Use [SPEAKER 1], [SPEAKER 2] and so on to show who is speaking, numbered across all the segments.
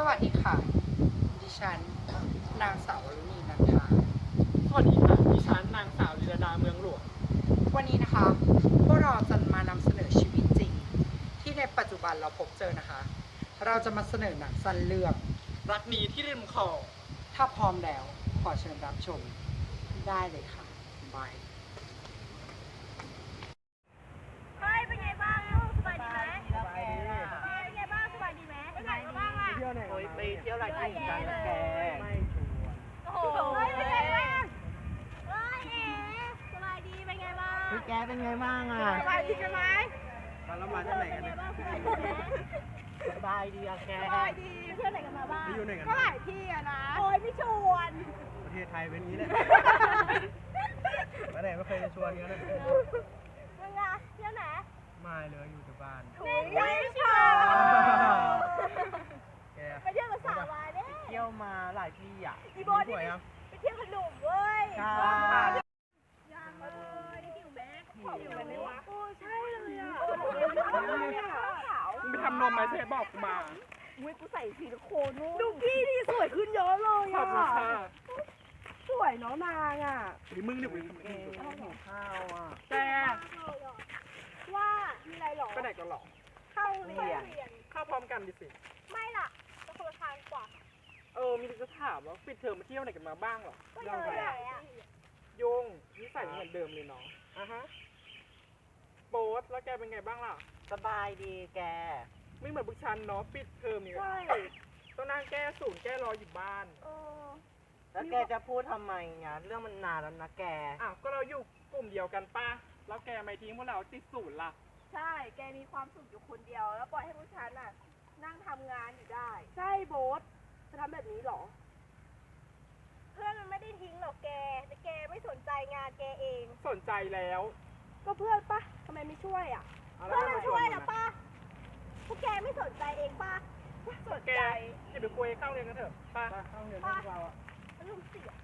[SPEAKER 1] วัสดีค่ะดิฉันนางสาววรุณีนันทา
[SPEAKER 2] สวัสดีค่ะดิฉันนางสาวลีลาดาเมืองหลวง
[SPEAKER 1] วันนี้นะคะพวกเราจะมานำเสนอชีวิตจริงที่ในปัจจุบันเราพบเจอนะคะ เราจะมาเสนอหนังสั้นเรื่อง
[SPEAKER 2] รักนี้ที่ริมคลอง
[SPEAKER 1] ถ้าพร้อมแล้วขอเชิญรับชมได้เลยค่ะบาย
[SPEAKER 3] เฮ้ยเป็นไงบ้างลูกสบายดีไหมเป็นไงบ้างสบายดีไหมไปไหนมาบ้างอ่ะ
[SPEAKER 2] เที่ยวไหนไปเที่ยวอะไรกันแกไม่ชวน
[SPEAKER 3] โอ้โหเฮ้ยเป็นไงบ้างเฮ้ยเอ๋สบายดีเป็นไงบ้าง
[SPEAKER 4] แกเป็นไงบ้างอ่ะ
[SPEAKER 3] สบายดีกันไหม
[SPEAKER 2] แล้วมาที่ไหนกัน
[SPEAKER 3] เป็นไง
[SPEAKER 2] เนี่ย
[SPEAKER 3] บ้างสบายดีไหม
[SPEAKER 4] สบายดีอะแก
[SPEAKER 3] สบายดีเพื่อนไหนกันมาบ้าง
[SPEAKER 2] อยู่ไหนกัน
[SPEAKER 3] ก็หลายที่อะนะโอ้ยไม่ชวน
[SPEAKER 2] ประเทศไทยเป็นงี้แหละมาไหนไม่เคยจะชวนกันเลย
[SPEAKER 3] มึงอะเที่ยวไหน
[SPEAKER 2] ไม่เลยอยู่แต่บ้าน
[SPEAKER 3] ไม่ชวน
[SPEAKER 2] แก
[SPEAKER 3] ไปเที่ยวกับสาววายเนี่ย
[SPEAKER 4] เที่ยวมาหลายที่อ่ะ
[SPEAKER 3] อีโบนี่ไปเที่ยวขนมเว้ย
[SPEAKER 4] ใช่
[SPEAKER 3] ยังเลยหิวแม็กหิวไหมวะโอ้ใช่เลยอ่ะขาว
[SPEAKER 2] มึงไปทำนมไหมเธอบอกกูมา
[SPEAKER 3] อุ้ยกูใส่สีโคนนู่นดูกี้นี่สวยขึ้นเยอะเลย
[SPEAKER 2] ขอบคุณ
[SPEAKER 3] อ่ะ
[SPEAKER 2] ค่ะ
[SPEAKER 3] สวยเนาะนางอ่ะ
[SPEAKER 2] หรือมึงเนี่ย
[SPEAKER 4] แกหิวข้าวอ่ะ
[SPEAKER 2] แก
[SPEAKER 3] ว่ามีอะไรหรอ
[SPEAKER 2] ไปไหนกันหรอ
[SPEAKER 3] เข้าเรียน
[SPEAKER 2] เข้าพร้อมกันดิสิ
[SPEAKER 3] ไม่ล่ะจะคนละทางกว่า
[SPEAKER 2] มีจะถามว่าปิดเทอมมาเที่ยวไหนกันมาบ้างหรอ
[SPEAKER 3] ก็เลยอ่ะ
[SPEAKER 2] โยงนิสัยเหมือนเดิมเลยเนาะโบ๊ทแล้วแกเป็นไงบ้างล่ะ
[SPEAKER 4] สบายดีแก
[SPEAKER 2] ไม่เหมือนพวกฉันเนาะปิดเทอมเนี่ย
[SPEAKER 3] ใช่
[SPEAKER 2] ต้องนั่งแก้ศูนย์แก้รออยู่บ้าน
[SPEAKER 4] แล้วแกจะพูดทำไมเนี่ยเรื่องมันนานแล้วนะแก
[SPEAKER 2] ก็เราอยู่กลุ่มเดียวกันป้าแล้วแกไม่ทิ้งพวกเราติดศูนย์ล่ะ
[SPEAKER 3] ใช่แกมีความสุขอยู่คนเดียวแล้วปล่อยให้พวกฉันน่ะนั่งทำงานอยู่ได้ใช่โบ๊ทจะทำแบบนี้หรอ เพื่อนมันไม่ได้ทิ้งหรอกแกแต่แกไม่สนใจงานแกเอง
[SPEAKER 2] สนใจแล้ว
[SPEAKER 3] ก็เพื่อนปะทำไมไม่ช่วยอ่ะ เพื่อนมันช่วยนะปะพวกแกไม่สนใจเองปะสน
[SPEAKER 2] แก
[SPEAKER 3] ใจ
[SPEAKER 2] อย่าไปคุยเข้าเรียนกันเถอะป้าเข้าเรียนพวกเราอะ
[SPEAKER 3] ลูกเสีย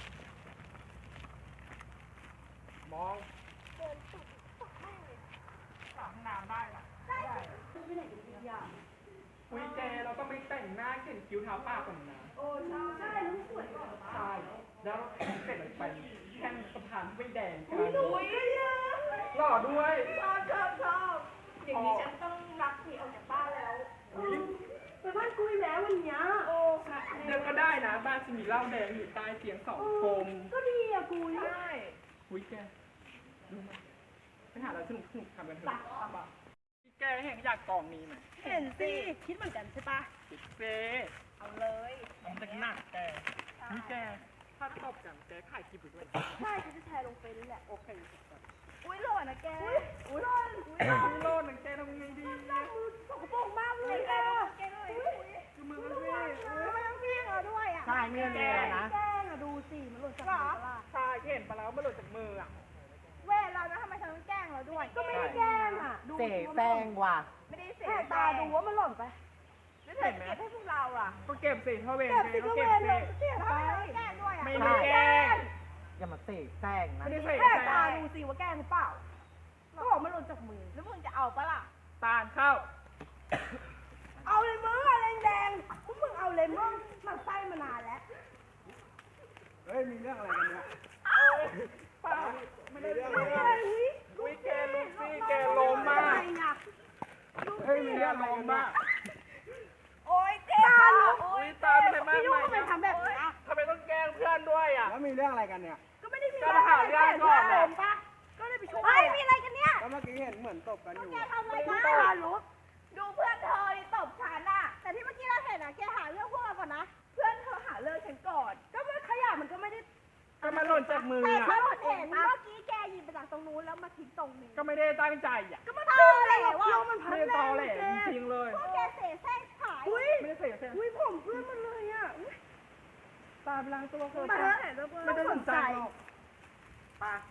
[SPEAKER 2] มอง
[SPEAKER 3] เดินตุกตกแม่เลย
[SPEAKER 2] สามน้ำได้ล่ะ
[SPEAKER 3] ได้ไปไหนกันดีอ่ะ
[SPEAKER 2] คุยแกเราต้องไปแต่งหน้าเขียนคิ้วทาปากก่อนนะ
[SPEAKER 3] โอ้ใช่ลูกสวยก่อน
[SPEAKER 2] ใช่แล้วเสร็จไปแค่สะพานไม่แดงกัน
[SPEAKER 3] อุ้ยเยอะ
[SPEAKER 2] หล่อด้วย
[SPEAKER 3] ชอบอย่างนี้ฉันต้องรักหนีออกจากบ้านแล้ว
[SPEAKER 2] อุ๊ย
[SPEAKER 3] ไปบ้านกุยแล้ววันนี้โอ้
[SPEAKER 2] เดี๋ยวก็ได้นะบ้านจะมีเหล้าแดงอยู่ใต้เตียงสองกลม
[SPEAKER 3] ก็ดีอ่ะกุยใช่
[SPEAKER 2] คุยแกดูมาไปหาอะไรสนุกทำกันเถอะแกเห็นอยากกองนี้ไหม
[SPEAKER 3] เห็นสิ คิดเหมือนกันใช่ปะ
[SPEAKER 2] ติดเซ
[SPEAKER 3] เอาเลย
[SPEAKER 2] มันจะหนักแกนี่แกถ้าตบกันแกขายคลิปอยู่ด้วย
[SPEAKER 3] ใช่ฉันจะแชร์ลงเฟซนี่แหละ
[SPEAKER 2] โอเค
[SPEAKER 3] อุ้ยหล่อนะแก อุ้ยหล่อ
[SPEAKER 2] โลดหนึ่งแกทำไงดี
[SPEAKER 3] มือสกปรกมากเลยแกแกเลย
[SPEAKER 2] คือมือมัน
[SPEAKER 3] ทำไมต้องพี่เราด้วยอ่ะ
[SPEAKER 4] ใช่เนี่ยมีอะไรนะ
[SPEAKER 3] แกล้งอ่ะดูสิมันหล่นจากมือล่ะ
[SPEAKER 2] ชายเห็นไปแล้วมันหลุดจากมืออ่ะ
[SPEAKER 3] เวทเรานะทำไมเธอต้องแกล้งเราด้วย ก็ไม่ได้แกล้งอ่ะ ดู
[SPEAKER 4] เสแป้งว่ะ
[SPEAKER 3] ไม่ได้เสียตาดูว่ามันหล่นไปแล้วเธอจะเก็บให้พวกเราอ่ะ
[SPEAKER 2] ก็เก็บสิเท่าเวร
[SPEAKER 3] เก็บสิ
[SPEAKER 2] ก็
[SPEAKER 3] ก็เว
[SPEAKER 2] เก็บ
[SPEAKER 3] ร
[SPEAKER 2] สิ
[SPEAKER 3] เลยเสียไปแกล้งด้วยอ่ะ
[SPEAKER 2] ไม่ได้แกล้ง
[SPEAKER 4] อย่ามาเสแป้งนะ
[SPEAKER 2] ไม่ได้ใส่
[SPEAKER 3] แค่ตาดูสิว่าแกล้งหรือเปล่า ก็บอกมันหล่นจากมือ แล้วมึงจะเอาปะล่ะ
[SPEAKER 2] ตาลเข้า
[SPEAKER 3] เอาเลยมึงอะไรแดงพวกมึงเอาเลยมึงมันไส้มานานแล้ว
[SPEAKER 2] เฮ้ยมีเรื่องอะไรกันเนี่ยป้าไม่ได้เรื่อง
[SPEAKER 3] ไม่
[SPEAKER 2] อะไร
[SPEAKER 3] อะไรวิ
[SPEAKER 2] อุ้ยแกลูกซี่แกล้มมาก เฮ้ยมีเรื่องล้มมาก
[SPEAKER 3] โอ๊ยเจ๊โอ๊ย
[SPEAKER 2] ตามอะไรมาก
[SPEAKER 3] พี่ยุ่ง
[SPEAKER 2] มาย
[SPEAKER 3] ทำไมทำแบบนี้
[SPEAKER 2] ทำไมต้องแกล้งเพื่อนด้วยอ่ะ
[SPEAKER 5] แล้วมีเรื่องอะไรกันเนี่ย
[SPEAKER 3] ก็ไม่ได้มี
[SPEAKER 2] ก็มาหาเรื่องก่อนนะ
[SPEAKER 3] ปะก็ได้ไปช่วยเฮ้ยมีอะไรกันเนี่ย
[SPEAKER 5] ก็เมื่อกี้เห็นเหมือนตบกันอยู่
[SPEAKER 3] แกทำอะไรกันรู้ดูเพื่อนเธอตบฉันอะแต่ที่เมื่อกี้เราเห็นอะแกหาเรื่องพวกเราก่อนนะ เพื่อนเธอหาเรื่องฉันก่อน ก็มันขยะมันก็ไม่ได้
[SPEAKER 2] ก็มาหล่นจากมือ
[SPEAKER 3] แต่
[SPEAKER 2] อ่ะ
[SPEAKER 3] ฉันเห็นเมื่อกี้แกยิงไปจากตรงนู้นแล้วมาทิ้งตรงนี้
[SPEAKER 2] ก็ไม่ได้ตั้งใจอ่ะ
[SPEAKER 3] ก็มันตอแหลว่ะมันพั
[SPEAKER 2] ไม่
[SPEAKER 3] น
[SPEAKER 2] ได้
[SPEAKER 3] แร
[SPEAKER 2] ตอง แหลจริงๆเลย
[SPEAKER 3] พวกแกเสแสร้งขาย
[SPEAKER 2] ไม่ได้เสียเสีย
[SPEAKER 3] อุ้ยผมเพื่อนมันเลยอะ
[SPEAKER 2] ตามล้างตัวเธอ
[SPEAKER 3] มาเถอะ
[SPEAKER 2] ไม่ได้สนใจหรอกป้า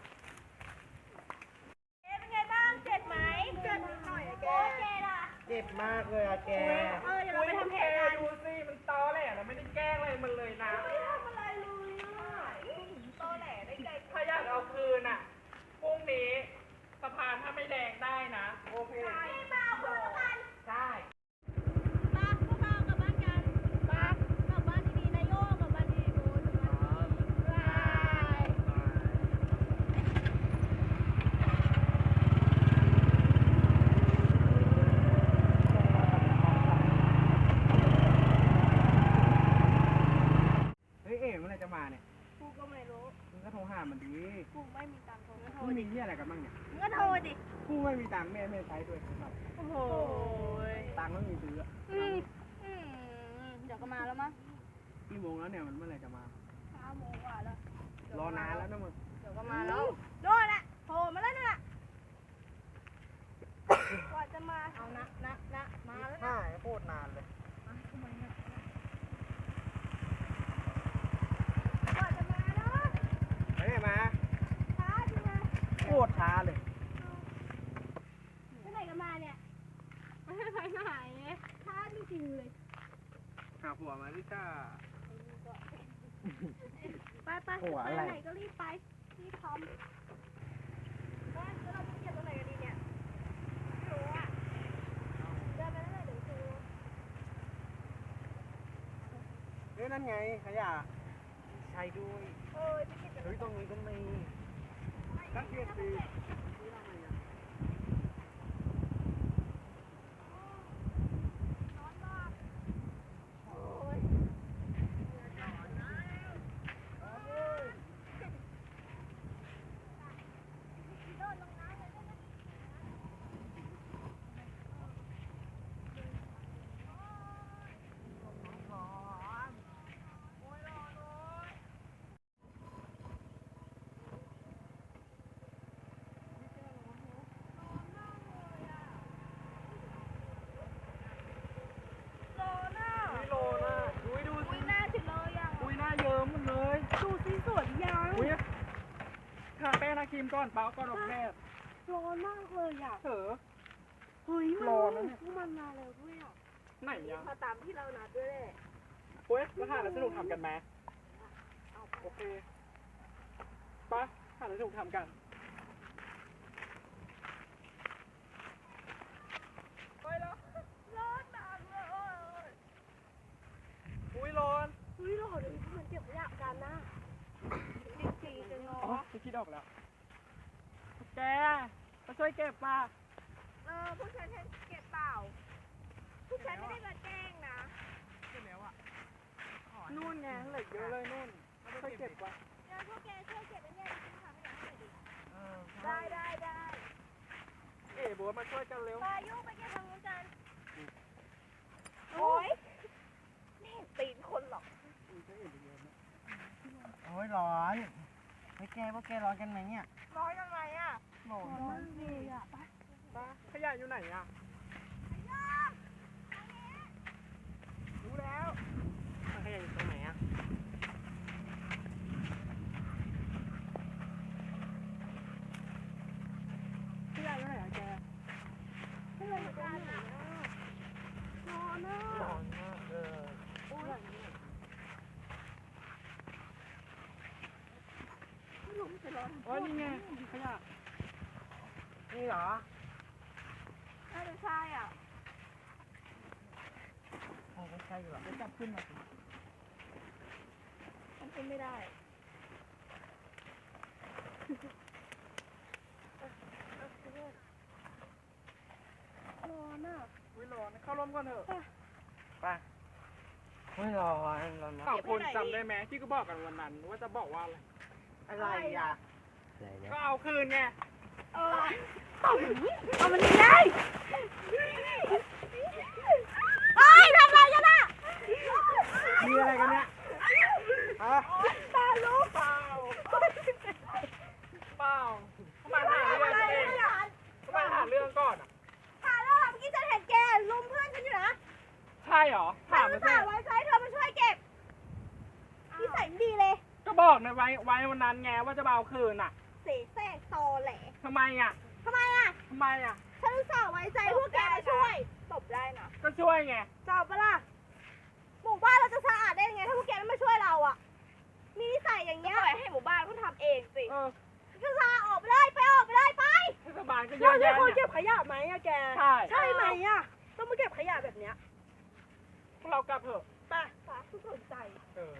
[SPEAKER 3] เป็นไงบ้างเจ็บไหมเจ็บนิดหน่อยอะแกแกล่ะ
[SPEAKER 4] เจ็บมากเลยอะแก
[SPEAKER 3] เดี๋ยวเราไปทำแผล
[SPEAKER 2] แก
[SPEAKER 3] กัน
[SPEAKER 2] ดูสิมันตอแหลแล้วไม่ได้แกล้งอะไรมันเลยนะ
[SPEAKER 3] ไม่ทำอะไรเลยอะตอแหลได้ใจ
[SPEAKER 2] ถ้าอยากเอาคืนอ่ะพรุ่งนี้สะพานถ้าไม่แดงได้นะ โอเค
[SPEAKER 3] ไม่มาเอาคืนละกัน
[SPEAKER 2] ได้
[SPEAKER 3] มาพวกเรากลับบ้านกัน
[SPEAKER 2] ไป
[SPEAKER 5] ามมันดี
[SPEAKER 3] กูไม่มีตังค์โทรโทร
[SPEAKER 5] มึง
[SPEAKER 3] ดิ
[SPEAKER 5] มีเหี้ยอะไรกันบ้างเนี่ย
[SPEAKER 3] มึงก็โทรดิ
[SPEAKER 5] กูไม่มีตังค์แม่ใช้ด้วยครับ
[SPEAKER 3] โอ้โห
[SPEAKER 5] ตังค์ไม่มีซื้ออะ
[SPEAKER 3] เดี๋ยวก็มาแล้วมั้ง
[SPEAKER 5] กี่โมงแล้วเนี่ยมันเมื่อไหร่จะมา
[SPEAKER 3] 5 โมงกว่าแล้ว
[SPEAKER 5] รอนานแล้วนะมึง
[SPEAKER 3] เดี๋ยวก็มาแล้วโดนละโทรมาแล้วน่ะกว่าจะมา เอานะมาแล้วนะ
[SPEAKER 4] ใช่โคตรนานเลย
[SPEAKER 3] กว่าจะมาเนาะ
[SPEAKER 5] ไม่ได้มา
[SPEAKER 3] ช้าจริงนะ
[SPEAKER 5] โคตรช้าเลย
[SPEAKER 3] ไปไหนกันมาเนี่ยไม่ได้ไปไหนช้าจริงๆเลย
[SPEAKER 5] หาผัวมาดิจ้า
[SPEAKER 3] ไปไหนก็รีบไปรีบทำแล้วเราจะเก็บตรงไหนกันดีเนี่ยไม่รู้อ่ะเดินไปแล้วเดี๋ยวดู
[SPEAKER 5] เฮ้ยนั่นไงขยะ
[SPEAKER 4] ใช่ด้วย
[SPEAKER 3] จะเก็บ
[SPEAKER 4] เฮ้ยตรงนี้ก็มี
[SPEAKER 5] นักเรียนดี
[SPEAKER 2] วิโลนะอุ้ยดูสิ
[SPEAKER 3] หน้าถึงเลยอ่ะ
[SPEAKER 2] อุ้ยหน้าเยิ้มหมดเลย
[SPEAKER 3] ดูสิสวยยัง
[SPEAKER 2] อุ้ยทาแป้งทาครีมก่อนเปล่าก่อนออกแพทย์
[SPEAKER 3] ร้อนมากเลยอ่ะ
[SPEAKER 2] เถอะ
[SPEAKER 3] เฮ้ย
[SPEAKER 2] ร้อนนะเนี่ย
[SPEAKER 3] พวกมันมาแล้วด้วยอ่ะ
[SPEAKER 2] ไหนยัง
[SPEAKER 3] มาตามที่เรานัดด้วยแหละ
[SPEAKER 2] โอ้ยมาหาแล้วสนุกทำกันไหมโอเคปะหาแล้วสนุกทำกันไปแล้ว
[SPEAKER 3] ร้อนมากเลย
[SPEAKER 2] อุ้ยร้อน
[SPEAKER 3] เฮ้ยร้อนเลยพวกมันเก็บขยะกันนะจริงๆจังเนา
[SPEAKER 2] อ๋อะ จะคิดออกแล้วแกมาช่วยเก็บมา
[SPEAKER 3] พวกฉันเก็บเปล่าพวกฉันไม่ได้มาแกล้งนะ
[SPEAKER 2] นู่นไงเหล็กเยอะเลยนู่นช่วยเก็บว่ะ
[SPEAKER 3] เดี๋ยวพวกแกช่วยเก็บไว้เนี่ยฉันทำให้หน่อยดิ
[SPEAKER 4] เออ
[SPEAKER 3] ได้
[SPEAKER 2] เอ๋บัวมาช่วยกันเร็ว
[SPEAKER 3] ไปยุ่งไปเก็บทางนู้นกันโอ้ยไม่เห็นตีนคนหรอก
[SPEAKER 4] โอ้ยร้อนพวกแกร้อนกันไหมเนี่ย
[SPEAKER 3] ร้อยยังไงอ่ะ
[SPEAKER 4] ร้อน
[SPEAKER 3] ร้อนเลยอ่ะไป
[SPEAKER 2] ปะขยะอยู่ไหนอ่ะรู้แล้ว
[SPEAKER 4] มันขยะอยู่ตรงไหนอ่ะ
[SPEAKER 2] ขยะอยู่ไหนอ่ะแก
[SPEAKER 3] ไม่เลยเหมือนกันอ่ะร้อนอ่ะ
[SPEAKER 4] ร้อนมากเออ
[SPEAKER 3] ไม่รู้มันจะร้อน
[SPEAKER 2] อ๋อนี่ไงขยะ
[SPEAKER 4] นี่เหรอ
[SPEAKER 3] น่าจะใช่อ่ะ
[SPEAKER 4] โอ้ไม่ใช่หรอ
[SPEAKER 2] เดี๋ยวจับขึ้นมาสิ
[SPEAKER 3] มันเป็นไม่ได้ร้อนอ่ะ
[SPEAKER 2] อุ้ยร้อนเข้าร่มก่อนเถอะ
[SPEAKER 4] ไปโอ้ยร้อนมาก
[SPEAKER 2] สองคนจำได้ไหมที่ก็บอกกันวันนั้นว่าจะบอกว่าอะไร
[SPEAKER 4] อะไรอ่ะ
[SPEAKER 2] ก็เอาคืนไง
[SPEAKER 3] เอามันนี่ได้เอ้ยทำอะไรกันอ่ะ
[SPEAKER 5] มีอะไรกันเนี่ยฮะ
[SPEAKER 3] ตาลูก
[SPEAKER 2] เปล่าทำไมหาเรื่องกันเองทำไมหาเรื่องก่อนอ่ะ
[SPEAKER 3] หาแล้วเมื่อกี้ฉันเห็นแกลุมเพื่อนฉันอยู่นะ
[SPEAKER 2] ใช่เหรอ
[SPEAKER 3] ฉั
[SPEAKER 2] ถาม
[SPEAKER 3] น
[SPEAKER 2] มา
[SPEAKER 3] ฝา
[SPEAKER 2] สิ
[SPEAKER 3] กไว้ใช้เธอมาช่วยเก็บนิสัยไม่ดีเลย
[SPEAKER 2] ก็บอกในไว้วันนั้นไงว่าจะมาเอาคืนอ่ะ
[SPEAKER 3] เสแสร้งตอแหล
[SPEAKER 2] ทำไมอ่ะ
[SPEAKER 3] ทำไมอ่ะ
[SPEAKER 2] ทำไมอ่ะ
[SPEAKER 3] ฉันฝากไว้ใจพวกแกมาช่วยตบได้นะ
[SPEAKER 2] ก็ช่วยไง
[SPEAKER 3] จอบปะล่ะหมู่บ้านเราจะสะอาดได้ยังไงถ้าพวกแกไม่มาช่วยเราอ่ะมีนิสัยอย่างเงี้ยปล่อยให้หมู่บ้านเขาทำเองสิ
[SPEAKER 2] เออ
[SPEAKER 3] ก็ลาออกไปเลยไปออกไปเลยไป
[SPEAKER 2] เทศบาลก็เยอะแยะเนี่ย
[SPEAKER 3] ขยะไหมอะแก
[SPEAKER 2] ใช่
[SPEAKER 3] ใช่ไหมอะต้องมาเก็บขยะแบบเนี้ย
[SPEAKER 2] พวกเรากลับเถอะ
[SPEAKER 3] ไปทุกสนใจ
[SPEAKER 2] เออ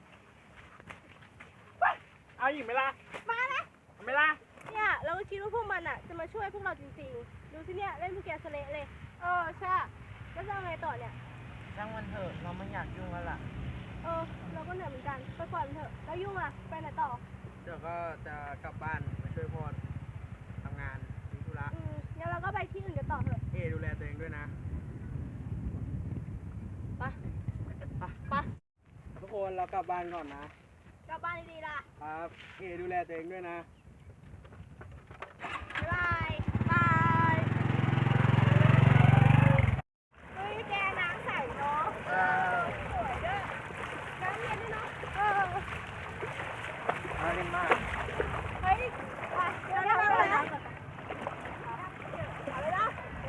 [SPEAKER 2] เอาอีกไหมล่ะ
[SPEAKER 3] มานะ
[SPEAKER 2] เอาไหมล่ะ
[SPEAKER 3] เนี่ยเราก็คิดว่าพวกมันอะจะมาช่วยพวกเราจริงๆดูสิเนี่ยเล่นพวกแกสเละเลยใช่แล้วจะเอาไงต่อเนี่ย
[SPEAKER 4] ช่างมันเถอะเราไม่อยากยุ่งแล้วล่ะ
[SPEAKER 3] เราก็เหนื่อยเหมือนกันไปก่อนเถอะแล้วยุ่งอะไปไหนต่อ
[SPEAKER 4] ไเดี๋ยวก็จะกลับบ้านไปช่วยพ่อทำงานมีธุระ
[SPEAKER 3] งั้นเราก็ไปที่อื่นกันต่อเถอะ
[SPEAKER 4] ดูแลตัวเองด้วยนะ
[SPEAKER 3] ไป
[SPEAKER 4] ทุกคนเรากลับบ้านก่อนนะ
[SPEAKER 3] กลับบ้านดีๆล่ะ
[SPEAKER 4] ครับดูแลตัวเองด้วยนะ
[SPEAKER 3] บ๊ายบายบายเฮ้ยแกน้ำใสเนาะสวยด้วยน้ำเย็นด้วยเนาะ
[SPEAKER 4] มาเล่นมาก
[SPEAKER 3] เฮ้ยไปเดี๋ยวเราไปนะเอาเลยนะ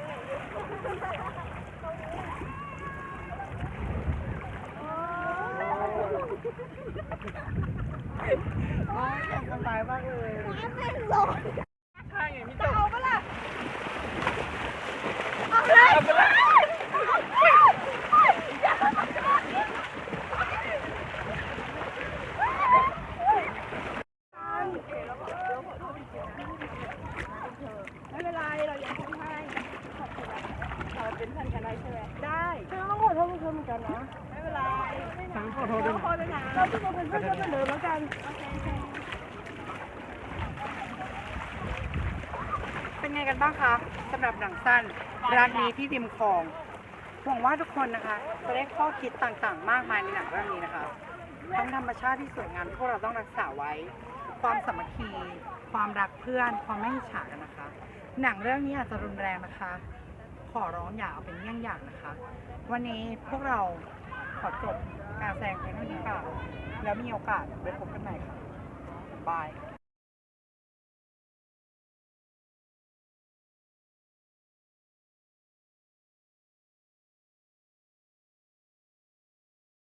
[SPEAKER 4] สบายมากเลย
[SPEAKER 3] น้ำแม่งร้อน
[SPEAKER 2] ใช่ไงพี่
[SPEAKER 3] จะ
[SPEAKER 2] เจ้า
[SPEAKER 3] เอาปะล่ะเอาเลย ไม่เป็นไร เรายังทำให้ขอบคุณนะเราเป็นเพื่อนกันได้ใช่ไหมได้ฉันต้องขอโทษเพื่อนเหมือนกันนะ ไม่เป็นไร
[SPEAKER 4] ฉันขอโทษด้วย
[SPEAKER 3] ขอโทษด้วยนะเราจะมาเป็นเพื่อนกันเหมือนเดิมแล้วกัน โอเค
[SPEAKER 1] เป็นไงกันบ้างคะสำหรับหนังสั้นรักนี้ที่ริมคลองหวังว่าทุกคนนะคะจะได้ข้อคิดต่างๆ มากมายในหนังเรื่องนี้นะคะทั้งธรรมชาติที่สวยงามที่พวกเราต้องรักษาไว้ ความสามัคคี ความรักเพื่อน ความไม่อิจฉากันนะคะ หนังเรื่องนี้อาจจะรุนแรงนะคะ ขอร้องอย่าเอาเป็นเยี่ยงอย่างนะคะ วันนี้พวกเราขอจบการแสดงเพียงเท่านี้ค่ะแล้วมีโอกาสไปพบกันใหม่ค่ะบาย